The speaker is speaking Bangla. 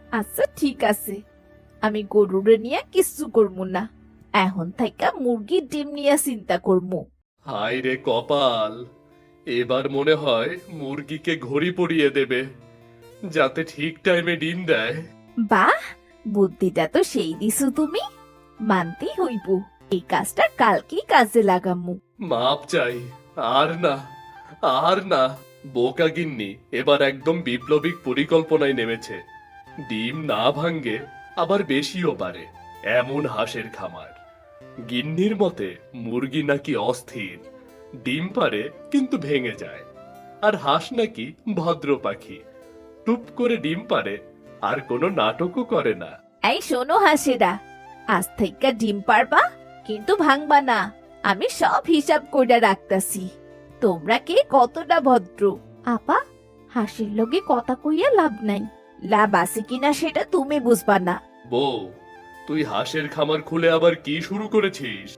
আচ্ছা ঠিক আছে, আমি গরুরে নিয়ে কিচ্ছু করবো না। এখন থেকে মুরগির ডিম নিয়ে চিন্তা করবো। হায় রে কপাল, এবার মনে হয় মুরগিকে ঘড়ি পরিয়ে দেবে, যাতে ঠিক টাইমে ডিম দেয়। বাহ, বুদ্ধিটা তো সেই দিছো তুমি। মানতেই হইব, এই কাজটা কালকেই কাজে লাগামু। মাপ চাই, আর না, আর না। বোকা গিন্নি এবার একদম বিপ্লবিক পরিকল্পনায় নেমেছে। ডিম না ভাঙ্গে আবার বেশিও পারে, এমন হাঁসের খামার। গিন্নির মতে মুরগি নাকি অস্থির, ডিম পারে কিন্তু ভেঙে যায়। আর হাঁস নাকি ভদ্র পাখি, টুপ করে ডিম পারে, আর কোনো নাটকও করে না। এই শোনো হাসেরা, আজ থেকে ডিম পারবা কিন্তু ভাঙবা না। আমি সব হিসাব কইরা রাখতাছি। তোমরা কে কতটা ভদ্র। আপা, হাসির লগে কথা কইয়া লাভ নাই। লাভ আছে কিনা সেটা তুমি বুঝবা না। বউ, তুই হাঁসের খামার খুলে আবার কি শুরু করেছিস?